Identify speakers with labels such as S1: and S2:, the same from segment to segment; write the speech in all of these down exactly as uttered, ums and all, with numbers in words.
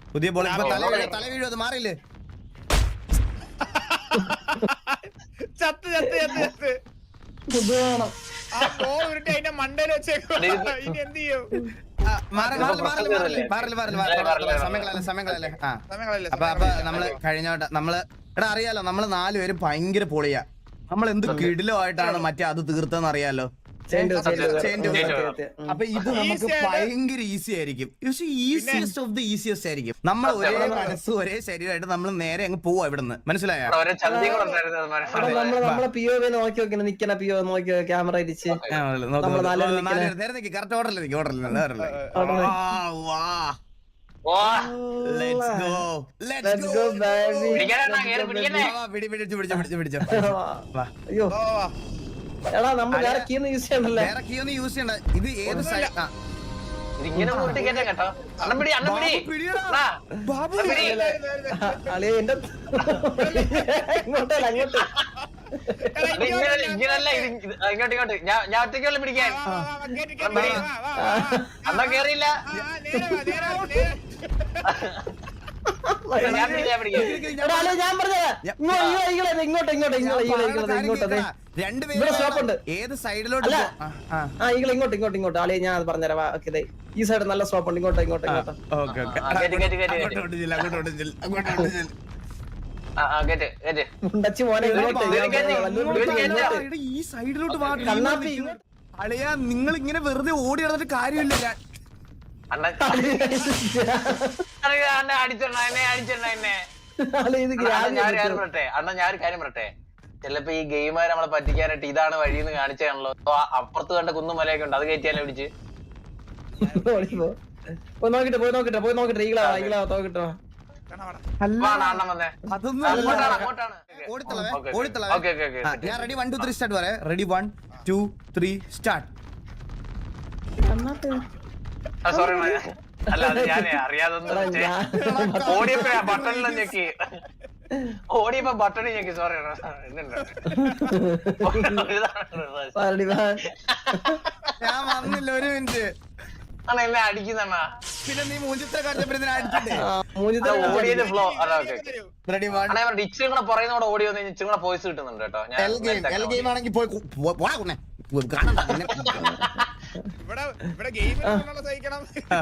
S1: പുതിയ ബോൾ ഇപ്പൊ തല വീഴും തല വീഴും അത് മാറിയില്ലേ
S2: ചത്ത് ചത്ത് ചത്ത് ചത്ത് ആ ബോൾ ഉരുട്ടി അതിന്റെ മണ്ടയിൽ വെച്ചേക്കോ ഇനി എന്ത് ചെയ്യും
S1: സമയങ്ങളല്ലേ സമയങ്ങളല്ലേ ആ അപ്പൊ അപ്പൊ നമ്മള് കഴിഞ്ഞോട്ടെ നമ്മള് എടാ അറിയാലോ നമ്മള് നാലുപേരും ഭയങ്കര പൊളിയാ നമ്മൾ എന്ത് കിടിലോ ആയിട്ടാണ് മറ്റേ അത് തീർത്തെന്ന് അറിയാലോ അപ്പൊ ഇത് നമുക്ക് ഭയങ്കര ഈസി ആയിരിക്കും ഈസിയസ്റ്റ് ഓഫ് ദി ഈസിയസ്റ്റ് ആയിരിക്കും നമ്മൾ ഒരേ മനസ്സ് ഒരേ ശരീരമായിട്ട് നമ്മൾ നേരെ അങ്ങ് പോവാ ഇവിടുന്ന് മനസ്സിലായോ
S3: നമ്മളെ പി ഒ നോക്കി നോക്കി നിക്കണ പി ഒ നോക്കി ക്യാമറ ഇരിച്ച്
S1: നേരെ നിൽക്കി കറക്റ്റ് ഓർഡറിൽ നിൽക്കി ഓർഡറിൽ Let's go. Let's go,
S3: baby.
S1: പിടി പിടിച്ചു പിടിച്ചു പിടിച്ചു പിടിച്ചു
S3: അയ്യോ എടാ നമ്മൾ വേറെ കീ ഒന്നും യൂസ് ചെയ്യണ്ടല്ലേ
S1: വേറെ കീ ഒന്നും യൂസ് ചെയ്യണ്ട ഇത് ഏത് സൈഡ്
S3: അളിയ എന്റെ ഇങ്ങോട്ടല്ല അങ്ങോട്ട്
S4: ഇങ്ങനല്ല ഇങ്ങോട്ട് ഇങ്ങോട്ട് ഞാൻ ഒറ്റയ്ക്കുള്ള പിടിക്കാൻ അമ്മ കേറിയില്ല
S3: ഞാൻ പറഞ്ഞത് ഇങ്ങോട്ട് ഇങ്ങോട്ട് ഇങ്ങോട്ട് ഇവിടെ സ്റ്റോപ്പ് ഉണ്ട്
S1: ഏത് സൈഡിലോട്ട്
S3: ആ ഈകളെ ഇങ്ങോട്ട് ഇങ്ങോട്ട് ഇങ്ങോട്ട് ആളിയെ ഞാൻ പറഞ്ഞുതരാം ഓക്കെ ഈ സൈഡ് നല്ല സ്റ്റോപ്പ് ഉണ്ട് ഇങ്ങോട്ട് ഇങ്ങോട്ട് ഇങ്ങോട്ട്
S1: ഈ സൈഡിലോട്ട് അളിയാ നിങ്ങൾ ഇങ്ങനെ വെറുതെ ഓടി നടന്നിട്ട് കാര്യമില്ല
S4: അണ്ണ ഞാനൊരു കാര്യം പറട്ടെ ചിലപ്പോ ഈ ഗെയിമാര് നമ്മളെ പറ്റിക്കാനായിട്ട് ഇതാണ് വഴിന്ന് കാണിച്ചാണല്ലോ അപ്പുറത്ത് കണ്ട കുന്നുമലയൊക്കെ ഉണ്ട് അത് കയറ്റിയാലേ പിടിച്ച്
S3: പോയി നോക്കിട്ട് പോയി നോക്കിട്ട് പോയി നോക്കിട്ട് ഈകളാ ഈകളാ നോക്കിട്ടോ
S1: ഞാൻ ready one two three start പറയാം ready one two three start
S4: sorry അല്ല അത് ഞാനേ അറിയാതൊന്നും ഓടിയപ്പോ ബട്ടണിലും ഞെക്കി ഓടിയപ്പോ ബട്ടണിൽ ഞെക്കി സോറി
S1: ഞാൻ വന്നില്ല ഒരു മിനിറ്റ്
S4: ആണ് എന്നെ അടിക്കുന്ന
S1: പിന്നെ നീ മൂഞ്ചിത്ര കാണിച്ചപ്പോഴത്തേന് അടിച്ചിട്ടേ
S4: ഓടിയത് ഫ്ലോ
S1: റെഡി വൺ
S4: ഇച്ചിരി കൂടെ പറയുന്ന കൂടെ ഓടി വന്നു ഇച്ചിരി കൂടെ വോയിസ് കിട്ടുന്നുണ്ട് കേട്ടോ
S1: എൽ ഗെയിം ആണെങ്കിൽ പോയി പോടാ കൊണ്ടേ
S2: ഇവിടെ ഇവിടെ ഗെയിമിൽ സഹിക്കണം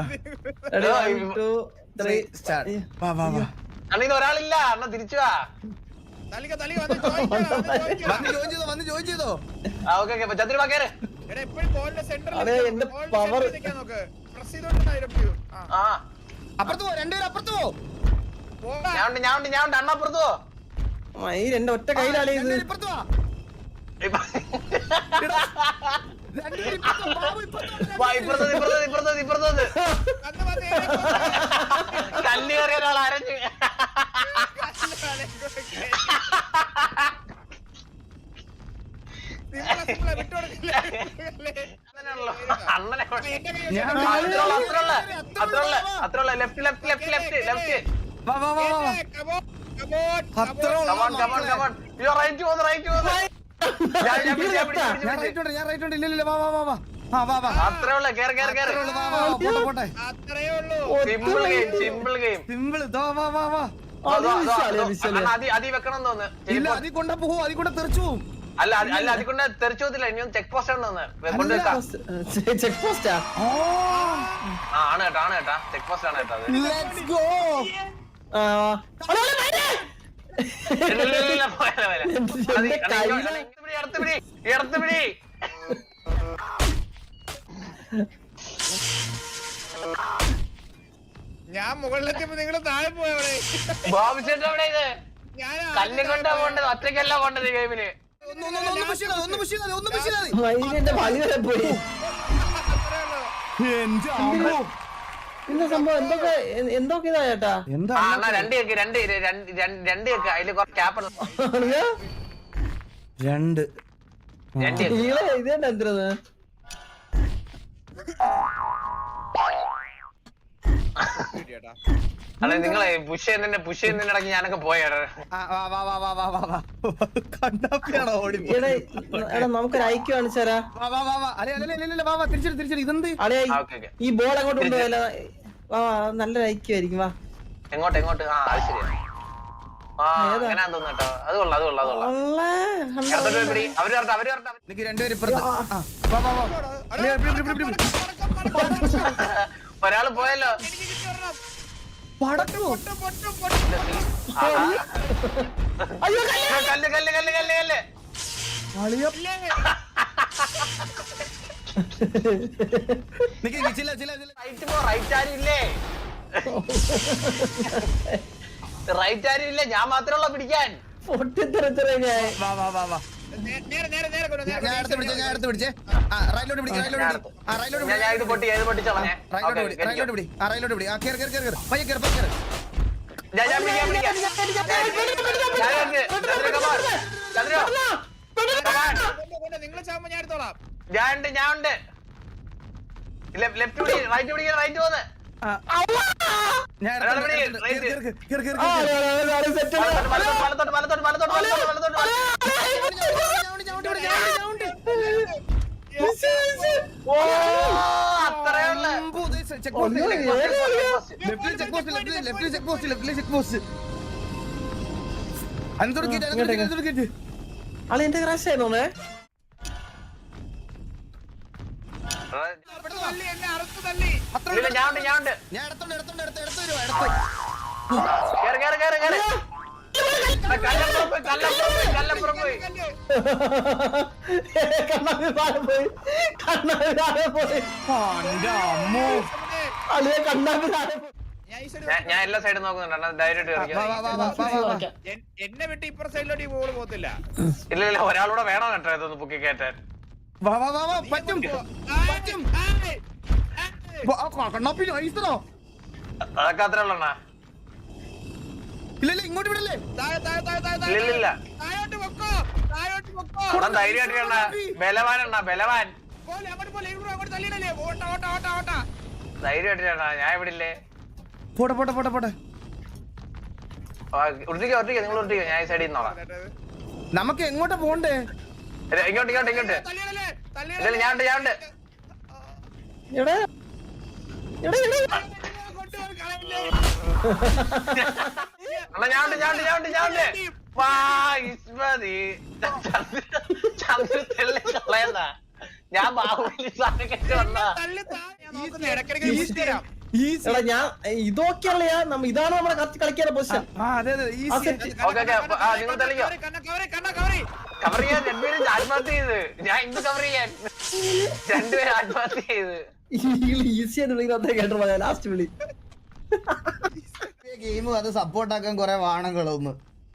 S4: അണ്ണ ഒരാളില്ല അണ്ണ തിരിച്ചു വാ
S2: തലിക തലിക വന്ന്
S1: ജോയിൻ ചെയ്തോ വന്ന് ജോയിൻ ചെയ്തോ
S4: ഓക്കെ ഓക്കെ ചന്ദ്രി വാ കേറ്
S2: എടാ എപ്പോഴും ബോളിന്റെ സെന്ററിൽ
S3: എന്റെ പവർ
S2: നോക്ക് പ്രസ് ചെയ്തോണ്ടായിരുന്നു
S4: ആ
S1: അപ്പുറത്ത് പോ രണ്ടുപേരും അപ്പുറത്ത് പോ
S4: ഞാൻ ഉണ്ട് ഞാൻ ഉണ്ട് ഞാൻ ഉണ്ട് അണ്ണ അപ്പുറത്ത് പോ
S3: ഈ രണ്ട് ഒറ്റ കയ്യിലാണ് ഇത്
S1: ഇപ്പുറത്ത് വാ
S4: ഇപ്പുറത്തത് ഇപ്പുറത്തത് ഇപ്പുറത്തത് ഇപ്പുറത്തത് കല്ല് കയറിയ ഒരാൾ അരഞ്ഞു അത്രയുള്ള left left left left left right പോന്ന് റൈറ്റ് പോന്ന് അത്രയുള്ള കേറ് കേറ് കേറ് simple game simple game
S1: simple
S4: അതി വെക്കണം തോന്നുന്നു
S1: അതി കൊണ്ട പോവും അതി കൊണ്ട് തെറിച്ചു പോവും
S4: അല്ല അല്ല അതി കൊണ്ട് തെറിച്ചു പോകത്തില്ല ഇനി ചെക്ക് പോസ്റ്റ് ഉണ്ടോന്ന് കൊണ്ടുവെക്കാം
S3: ചെക്ക് പോസ്റ്റാ
S4: ആണ് കേട്ടോ ആണ് കേട്ടാ ചെക്ക് പോസ്റ്റ് ആണ് കേട്ടോ ഇടത്തുപിടി
S2: ഞാൻ മുകളിലെത്തിയപ്പോ നിങ്ങള് താഴെ പോയവിടെ
S4: ബാബുചേട്ടൻ എവിടെ ഇത് കല്ലും കൊണ്ടാ പോണ്ടത് ഒറ്റയ്ക്കല്ല പോണ്ടത് ഗെയിമില്
S3: പോയി പിന്നെ സംഭവം എന്തൊക്കെ എന്തൊക്കെ ഇതാ ചേട്ടാ
S1: എന്താ
S4: രണ്ട് കേക്ക് രണ്ട് രണ്ട് കേക്ക് അതില് കുറച്ച് ക്യാപ്പ്
S1: രണ്ട്
S3: ഇതേണ്ട എന്തിനാ
S4: അല്ല നിങ്ങളെ പുഷ് ചെയ്യുന്നതിന്റെ പുഷ് ചെയ്യുന്നതിന്റെ ഇടയ്ക്ക് ഞാനൊക്കെ പോയാണ്
S3: നമുക്കൊരു ഐക്യം കാണിച്ചാരാ
S1: തിരിച്ചെടു തിരിച്ചെടു ഇതെന്ത്
S3: ഈ ബോൾ അങ്ങോട്ട് കൊണ്ടുപോയല്ലോ നല്ലൊരു ഐക്യമായിരിക്കും വാ
S4: എങ്ങോട്ട് എങ്ങോട്ട് ആ അത് ശരിയാ ആ അങ്ങനെ തോന്നുന്നു കേട്ടോ അത് കൊള്ളാം അത് കൊള്ളാം അത് കൊള്ളാം ഇടത്തോട്ട് പോയി പിടി. അവര് വരട്ടെ അവര് വരട്ടെ
S1: എനിക്ക് രണ്ടുപേരും ഇപ്പുറത്ത് ആ, വാ, വാ, വാ. പിടി, പിടി, പിടി, പിടി, പിടി.
S4: ഒരാള് പോയല്ലോ
S1: പടക്കോ?
S4: ആ, ആ. കല്ല് കല്ല് കല്ല് കല്ല് കല്ല്
S1: അളിയ. നിക്ക്, നിക്ക്, ചില്ല, ചില്ല, ചില്ല.
S4: റൈറ്റ് പോ റൈറ്റ് ആരും ഇല്ലേ റൈറ്റ് ആരും ഇല്ലേ ഞാൻ മാത്രമുള്ള പിടിക്കാൻ
S1: വാ, വാ, വാ, വാ. ഞാൻ അടുത്ത് പിടിച്ചേ, ഞാൻ അടുത്ത് പിടിച്ചേ. ആ, റൈറ്റിലോട്ട് പിടി, റൈറ്റിലോട്ട് പിടി. ആ, റൈറ്റിലോട്ട്
S4: ഞാൻ
S1: പിടി.
S4: ഞാൻ ഇത് പൊട്ടി ഇത് പൊട്ടിച്ചോളാം ഞാൻ
S1: റൈറ്റിലോട്ട് പിടി, റൈറ്റിലോട്ട് പിടി. ആ, റൈറ്റിലോട്ട് പിടി. ആ, കേറ്, കേറ്, കേറ്, കേറ്. പയ്യെ കേറ്, പയ്യെ കേറ്.
S4: ഞാൻ ഞാൻ പിടിക്കാം പിടിക്കാം ഞാൻ ഉണ്ട്. Chandru, come on. Chandru, come on.
S2: നിങ്ങൾ ചാകുമ്പോ ഞാൻ എടുത്തോളാം.
S4: ഞാൻ ഉണ്ട് ഞാൻ ഉണ്ട് ലെഫ്റ്റ് പിടി റൈറ്റ് പിടി റൈറ്റ് പോന്ന്
S1: ആ. ഞാൻ അടുത്ത്
S4: ഒരാളെ പിടി,
S1: കേറ്,
S4: റൈറ്റ്.
S1: കേറ്, കേറ്, കേറ്, കേറ്, കേറ്.
S4: വലത്തോട്ട് വലത്തോട്ട് വലത്തോട്ട് വലത്തോട്ട് വലത്തോട്ട് വലത്തോട്ട് ഓ അത്രേ ഉള്ളു
S1: അമ്പോ, ദേ check post, check post. ലെഫ്റ്റില് check post, ലെഫ്റ്റില്, ലെഫ്റ്റില് check post, ലെഫ്റ്റില് check post. അനന്തോട് കേറ്റ്, അനന്തോട് കേറ്റ്, അനന്തോട് കേറ്റ്.
S3: ആളെ എന്റെ ക്രാഷ് ആയിരുന്നോന്നേ
S2: അറുത്ത് തള്ളി, എന്നെ അറുത്ത് തള്ളി.
S1: അത്ര
S4: ഇല്ല ഞാൻ ഉണ്ട് ഞാൻ ഉണ്ട്
S1: ഞാൻ എടുത്തോണ്ട് എടുത്തോണ്ട് എടുത്ത് എടുത്ത് വരുവാ, എടുത്ത്.
S4: കേറ് കേറ് കേറ് കേറ് കല്ലപ്പുറം പോയി കല്ലപ്പുറം പോയി കല്ലപ്പുറം പോയി
S3: കണ്ണാടി താഴെ പോയി കണ്ണാടി താഴെ പോയി
S1: അന്റെ അമ്മോ.
S3: അളിയെ കണ്ണാടി താഴെ പോയി
S2: ഞാൻ ഈ side
S4: ഞാൻ ഞാൻ എല്ലാ സൈഡും നോക്കുന്നുണ്ട് ഡയറക്റ്റ്
S1: വാ, വാ, വാ, വാ, വാ, വാ, വാ.
S2: എൻ- എന്നെ വിട്ട് ഇപ്പുറ സൈഡിലോട്ട് ഈ ബോൾ പോകത്തില്ല.
S4: ഇല്ല ഇല്ല ഒരാളൂടെ വേണം കേട്ടോ ഇതൊന്ന് പൊക്കി കയറ്റാൻ
S1: വാ, വാ, വാ, വാ, പറ്റും.
S2: പറ്റും.
S1: വാ, ആ, കണ്ണാപ്പി നൈസറോ.
S4: അതൊക്കെ അത്രേ ഉള്ളണ്ണാ
S1: ഇല്ല, ഇല്ല, ഇങ്ങോട്ട് വിടല്ലേ.
S2: താഴെ താഴെ താഴെ താഴെ
S4: ഇല്ല ഇല്ല ഇല്ല
S2: താഴോട്ട് പൊക്കോ, താഴോട്ട് പൊക്കോ.
S4: അണ്ണൻ ധൈര്യമായിട്ടാ ബലവാൻ അണ്ണാ ബലവാൻ
S2: പോലെ അങ്ങോട്ട് പോലെ ഇവിടെ അങ്ങോട്ട് തള്ളിയിടല്ലേ. ഓട്ട ഓട്ട ഓട്ട ഓട്ട.
S4: ധൈര്യമായിട്ടാ ഞാൻ ഇവിടെ ഇല്ലേ
S1: പോട്ടെ, പോട്ടെ, പോട്ടെ, പോട്ടെ.
S4: ഉരുട്ടിക്കോ ഉരുട്ടിക്കോ നിങ്ങൾ ഉരുട്ടിക്കോ ഞാൻ ഈ സൈഡിൽ നിന്നോളാം
S1: നമുക്ക് എങ്ങോട്ടാ പോണ്ടേ?
S4: ഇല്ല, ഇങ്ങോട്ട് ഇങ്ങോട്ട് ഇങ്ങോട്ട്
S2: തള്ളിയിടല്ലേ,
S4: ഇല്ല
S2: തള്ളിയിടല്ലേ.
S4: ഞാൻ ഉണ്ട് ഞാൻ ഉണ്ട്
S3: എടാ എടാ എടാ
S2: കൊണ്ടുപോയി കളയല്ലേ.
S4: അണ്ണാ ഞാൻ ഉണ്ട് ഞാൻ ഉണ്ട് ഞാൻ ഉണ്ട് ഞാൻ ഉണ്ട് വാ ഇസ്മതി ചന്ദ്ര തെള്ളി കളയുന്ന ഞാൻ ബാഹുബലി സാധനം കെട്ടി വന്നാ
S2: തള്ളി താ. ഞാൻ നോക്കുന്നു, ഇടയ്ക്കിടയ്ക്ക് ഒരു boost തരാം.
S1: ഈസി.
S3: എടാ ഞാൻ ഇതൊക്കെയല്ലേ നമ്മ ഇതാണ് നമ്മുടെ കത്തി കളിക്കാനുള്ള പൊസിഷൻ
S1: ആ, അതെ, അതെ,
S3: ആ
S1: ഈസി.
S3: സെറ്റ്
S4: ഓക്കെ ഓക്കെ ആ നിങ്ങൾ തെളിക്കോ
S2: കണ്ണ കവറി കണ്ണ കവറി.
S4: കവർ ചെയ്യാൻ രണ്ടുപേരും ആത്മഹത്യ ചെയ്ത് ഞാൻ എന്ത് കവർ ചെയ്യാൻ രണ്ടുപേരും ആത്മഹത്യ ചെയ്ത്
S3: ഈസി ആയിട്ട് വിളിക്കുന്ന കേട്ടോ ലാസ്റ്റ് വിളി
S1: ഗെയിം അത് സപ്പോർട്ട് ആക്കാൻ കുറെ വാണങ്ങളൊന്ന്.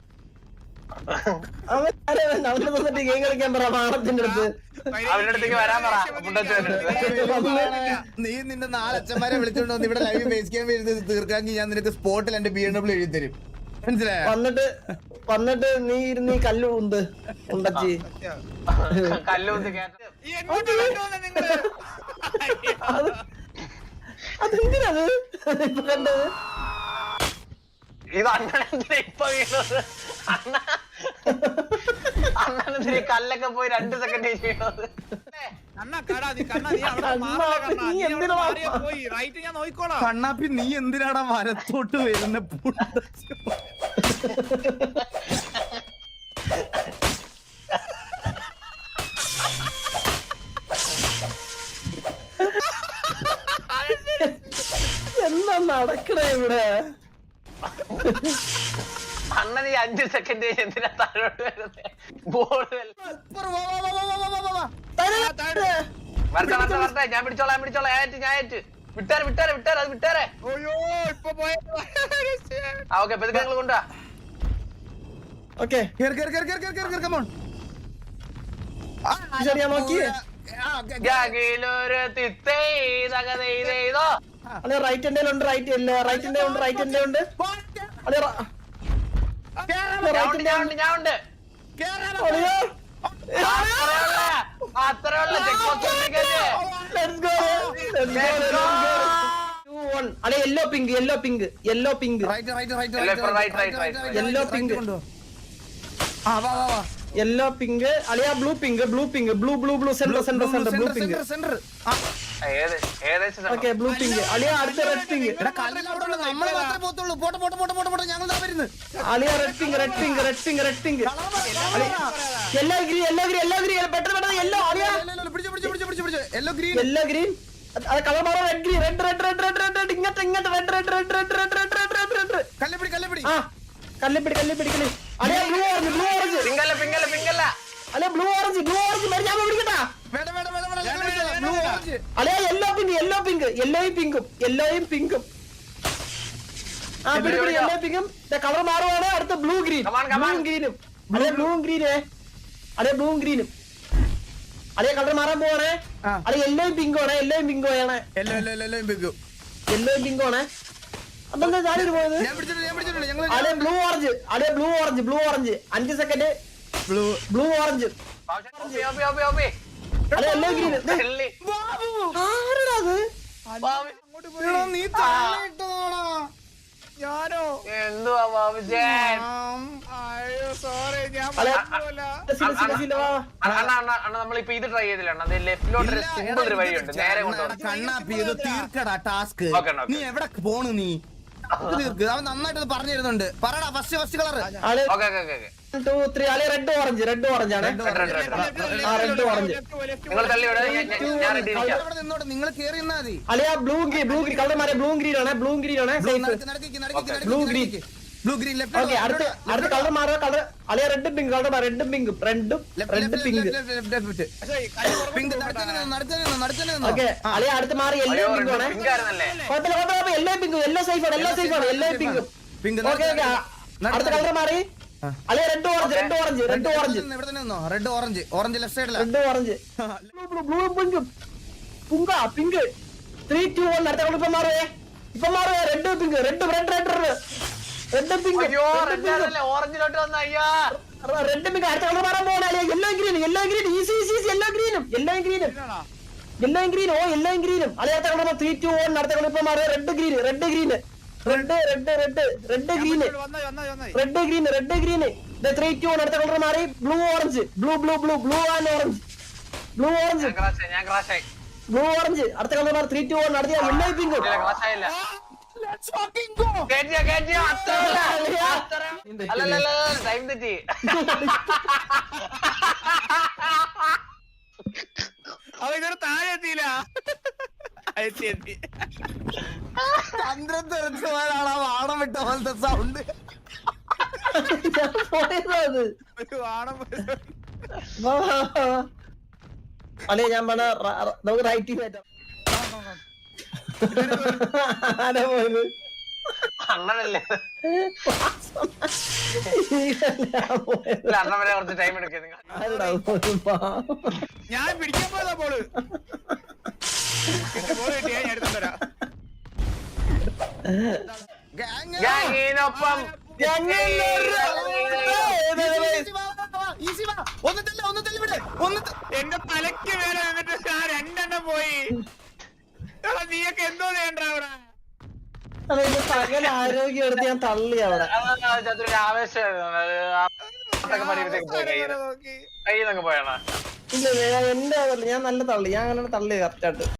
S3: അവൻ ആരാണ്? അവന്റെ തന്നിട്ട് ഗെയിം കളിക്കാൻ പറ വാണത്തിന്റെ അടുത്ത്
S4: അവരുടെ അടുത്തേക്ക് വരാൻ പറ മുണ്ടച്ചവന്റെ അടുത്ത്
S1: നീ നിന്റെ നാലച്ഛന്മാരെ വിളിച്ചോണ്ട് വന്ന് ഇവിടെ ലൈവ് ബേസ് ക്യാമ്പ് എഴുതി തീർക്കാമെങ്കിൽ ഞാൻ നിനക്ക് സ്പോട്ടിൽ എന്റെ ബി എം ഡബ്ല്യൂ എഴുതി തരും. മനസ്സിലായോ?
S3: വന്നിട്ട് വന്നിട്ട് നീ ഇരുന്ന് ഈ കല്ല് ഉണ്ട് ഉണ്ടച്ചി
S4: കല്ലൂത്ത് കയറ്റ
S2: ഈ എങ്ങോട്ട് കൊണ്ടുവന്നെ നിങ്ങള്?
S3: അതെന്തിനത് ഇപ്പൊ കണ്ടത്
S4: ഇത് അണ്ണനെന്തിനാ ഇപ്പൊ വീണത് അണ്ണ അണ്ണനെന്തിനാ ഈ കല്ലൊക്കെ പോയി രണ്ട് സെക്കൻഡ് വീണത്
S2: കണ്ണ കടാ നീ കണ്ണ നീ അവിടെ
S3: കണ്ണാ,
S2: മാറില്ല കണ്ണ.
S3: നീ
S2: നീ അവിടെ
S3: എന്തിനാ
S2: മാറിയാ പോയി. റൈറ്റ് ഞാൻ നോക്കിക്കോളാം.
S1: കണ്ണാപ്പി നീ എന്തിനാടാ വരത്തോട്ട് വരുന്ന
S3: എന്താ നടക്കണേ ഇവിടെ
S4: അണ്ണൻ ഈ അഞ്ച് സെക്കൻഡ് എന്തിനാ താഴോട്ട് വരുന്നത് ബോൾ
S2: താഴെ, താഴെ.
S4: വരട്ടെ വരട്ടെ വരട്ടെ ഞാൻ പിടിച്ചോളാം ഞാൻ പിടിച്ചോളാം ഞാൻ ഏറ്റ് ഞാൻ ഏറ്റ് വിട്ടാരെ വിട്ടാരെ വിട്ടാരെ അത് വിട്ടാരെ
S2: അയ്യോ ഇപ്പൊ പോയ
S4: ആ ഓക്കെ പെതുക്കെ നിങ്ങൾ കൊണ്ടുവാ
S3: ഓക്കെ
S1: കേറ് കേറ് കേറ് കേറ് കേറ് കേറ് കമോൺ.
S3: ശരി ഞാൻ നോക്കിയേ
S4: ജാഗിലൊരു തിത്തേ തകതേ ഇതേതോ
S3: അല്ലെ റൈറ്റ് എന്റെ ഉണ്ട് റൈറ്റ് ഇല്ല റൈറ്റ് എന്റെ ഉണ്ട് റൈറ്റ് എന്റെ ഉണ്ട് അല്ലെ
S4: ഞാൻ ഉണ്ട് ഞാൻ ഉണ്ട് ഞാൻ ഉണ്ട് അത്രയുള്ള ചെക്ക് പോസ്റ്റ്
S3: അല്ലെ yellow pink yellow pink yellow pink
S1: right right right
S4: Left, right, right, right, right.
S3: Yellow pink.
S1: ആ വാ വാ വാ
S3: യെല്ലോ പിങ്ക് അളിയ blue pink blue pink blue blue blue centre centre centre blue pink
S1: centre
S4: ഏത് ഏകദേശം
S3: okay blue pink അളിയ അടുത്ത red pink
S1: നമ്മളെ മാത്രമേ പോത്തുള്ളൂ പോട്ടെ പോട്ടെ പോട്ടെ പോട്ടെ പോട്ടെ ഞങ്ങൾ വരുന്നു
S3: അളിയ red pink red pink red pink red pink yellow green yellow green yellow green പെട്ടെന്ന് പെട്ടെന്ന് യെല്ലോ അളിയ
S1: പിടിച്ചു പിടിച്ചു പിടിച്ചു പിടിച്ചു പിടിച്ചു യെല്ലോ ഗ്രീൻ
S3: യെല്ലോ ഗ്രീൻ അത് കളർ മാറാം red green red red red red red red ഇങ്ങോട്ട് ഇങ്ങോട്ട് red red red red red red red red red red
S1: കല്ലിപ്പിടി കല്ലിപ്പിടി
S3: ആ കല്ലിപ്പിടി കല്ലിപ്പിടി കല്ലി അളിയ ബ്ലൂ ഓറഞ്ച് ബ്ലൂ ഓറഞ്ച്
S4: പിങ്കല്ല പിങ്കല്ല പിങ്കല്ല
S3: അളിയ ബ്ലൂ ഓറഞ്ച് ബ്ലൂ ഓറഞ്ച് മരി ഞാൻ പിടിക്കട്ടാ
S1: വേണ്ട വേണ്ട വേണ്ട വേണ്ട ബ്ലൂ ഓറഞ്ച്
S3: അളിയ യെല്ലോ പിങ്ക് യെല്ലോ പിങ്ക് യെല്ലോയും പിങ്കും യെല്ലോയും പിങ്കും ആ പിടി പിടി യെല്ലോ പിങ്കും കളർ മാറുവാണ് അടുത്ത ബ്ലൂ ഗ്രീൻ ബ്ലൂവും ഗ്രീനും അളിയ ബ്ലൂവും ഗ്രീനേ അളിയ ബ്ലൂവും ഗ്രീനും അളിയ കളർ മാറാൻ പോവാണേ അളിയ യെല്ലോയും പിങ്കും ആണ് യെല്ലോയും പിങ്കും ആണ്
S1: എല്ലോ എല്ലോ എല്ലോ പിങ്കു
S3: യെല്ലോയും പിങ്കും ആണ് അതെന്താ ചാടി പോയത്
S1: ഞാൻ പിടിച്ചിട്ടുണ്ട് ഞാൻ പിടിച്ചിട്ടുണ്ട് ഞങ്ങൾ
S3: അളിയ ബ്ലൂ ഓറഞ്ച് അളിയ ബ്ലൂ ഓറഞ്ച് ബ്ലൂ ഓറഞ്ച് അഞ്ച് സെക്കൻഡ്
S1: ബ്ലൂ
S3: ബ്ലൂ ഓറഞ്ച്
S4: ഓപ്പി ഓപ്പി ഓപ്പി ഓപ്പി
S3: അളിയ യെല്ലോ ഗ്രീൻ
S4: തെള്ളി
S3: ആരടാ അത്
S4: ബാബു
S1: നീ തള്ളിയിട്ടതാണോ
S2: ഞാനോ
S4: എന്തുവാ ബാബുജേ
S2: അയ്യോ സോറി ഞാൻ
S3: അളിയ
S2: മറന്നുപോയല്ല.
S3: സില സില സില വാ
S4: അണ്ണ അണ്ണ അണ്ണ നമ്മളിപ്പോ ഇത് ട്രൈ ചെയ്തില്ല അത് ലെഫ്റ്റിലോട്ട് ഒരു സിമ്പിൾ ഒരു വഴിയുണ്ട് നേരെ കൊണ്ടുപോകും
S1: കണ്ണാപ്പി ഇത് തീർക്കടാ ടാസ്ക്
S4: ഓക്കേ, ഓക്കേ.
S1: നീ എവിടെ പോണ് നീ അത് തീർക്ക് അവൻ നന്നായിട്ട് പറഞ്ഞു തരുന്നുണ്ട് പറടാ ഫസ്റ്റ് ഫസ്റ്റ് കളർ
S3: അളിയ
S4: okay okay okay
S3: two three അളിയ റെഡ് ഓറഞ്ച് റെഡ് ഓറഞ്ച് ആണ് ആ റെഡ് ഓറഞ്ച്
S4: നിങ്ങൾ തള്ളി വിടാ ഞാൻ റെഡി ഇരിക്കാം
S1: അവിടെ നിന്നോട്ടെ നിങ്ങൾ കേറി നിന്നാ മതി
S3: അളിയ blue green blue green colour മാറിയ ബ്ലൂ ഗ്രീൻ ആണ് ബ്ലൂ ഗ്രീൻ ആണ് safe Blue, green.
S1: Blue green
S3: okay അടുത്ത അടുത്ത കളർ മാറുക കളർ അളിയ റെഡ് പിങ്ക് കളർ റെഡും പിങ്കും റെഡും റെഡ് പിങ്ക് ഓക്കെ അളിയ അടുത്ത് മാറി യെല്ലോ
S4: അയ്യോ
S3: പിങ്ക് ആണ്
S4: പിങ്ക് ആയിരുന്നല്ലേ
S3: കുഴപ്പമില്ല കുഴപ്പമില്ല യെല്ലോ പിങ്ക് യെല്ലോ സേഫ് ആണ് യെല്ലോ സേഫ് ആണ് യെല്ലോ പിങ്കും ഓക്കെ ഓക്കെ അടുത്ത കളർ മാറി അളിയ red orange red orange red orange
S1: red orange orange left സൈഡിലാ
S3: റെഡ് ഓറഞ്ച് ബ്ലൂ ബ്ലൂ പിങ്കും പുങ്ക പിങ്ക് ത്രീ ടു വൺ അടുത്ത കളർ ഇപ്പൊ മാറുവേ ഇപ്പൊ മാറുവേ red pink red red red red red pink
S4: അയ്യോ റെഡ് ആയിരുന്നല്ലേ ഓറഞ്ചിലോട്ട് വന്ന അയ്യോ
S3: റെഡ് പിങ്ക് അടുത്ത കളർ മാറാൻ പോകണേ yellow green yellow green easy easy yellow ഗ്രീനും യെല്ലോ ഗ്രീനും യെല്ലോ ഗ്രീൻ ഓ യെല്ലോ ഗ്രീനും അല്ലെ അടുത്ത കളർ ത്രീ ടു വൺ അടുത്ത കളർ ഇപ്പൊ മാറുക red green red green red red red red green
S2: വന്നായി വന്നായി വന്നായി
S3: red green red green three two one അടുത്ത കളർ മാറി blue orange blue blue blue blue and orange blue orange
S4: ഞാൻ crash ഞാൻ ക്രാഷ് ആയി
S3: ബ്ലൂ ഓറഞ്ച് അടുത്ത colour മാറി ത്രീ ടു വൺ അടുത്ത യെല്ലോ പിങ്ക്
S4: ഇല്ല ക്രാഷ് ആയില്ല കേറ്റിയ കേറ്റിയ അത്ര അത്ര അല്ലല്ല ടൈം തെറ്റി
S2: അവ ഇതൊരു താഴെ എത്തിയില്ല എത്തി എത്തി
S1: ചന്ദ്രൻ തെറിച്ചവരാണ് ആ വാണം വിട്ട പോലത്തെ സൗണ്ട്
S3: പോയത്
S2: ഒരു വാണം
S3: അല്ലെ ഞാൻ പറഞ്ഞ നമുക്ക് റൈറ്റ് പറ്റാം ആരാ പോയത്
S4: അണ്ണനല്ലേ
S3: പോയത്
S4: അണ്ണൻ വരെ കുറച്ച് ടൈം എടുക്കുക നിങ്ങൾ
S3: ആരടാ പോയത്?
S2: ഞാൻ പിടിക്കാൻ പോയതാ ബോള് ബോള് കിട്ടിയാ ഞാൻ എടുത്തു തരാം
S4: ഗാങ്ങിനൊപ്പം
S2: എന്റെ തലയ്ക്ക് മേലെ നിന്നിട്ട് ഞാൻ രണ്ടെണ്ണം പോയി എടാ, നീയൊക്കെ എന്തോ ചെയ്യണ്ട അവിടെ
S3: അതെ, ഇത് പകൽ ആരോഗ്യം എടുത്ത് ഞാൻ തള്ളി അവിടെ
S4: ചതുരൊരു ആവേശം പണിയത്തേക്ക് പോയി കയ്യിൽ
S2: നോക്കി
S4: കയ്യിൽ നിന്നൊക്കെ പോയാണ്
S3: ഇല്ല ഞാൻ എന്റെ അതല്ല ഞാൻ നല്ല തള്ളി ഞാൻ അങ്ങനെ തള്ളി കറക്റ്റായിട്ട്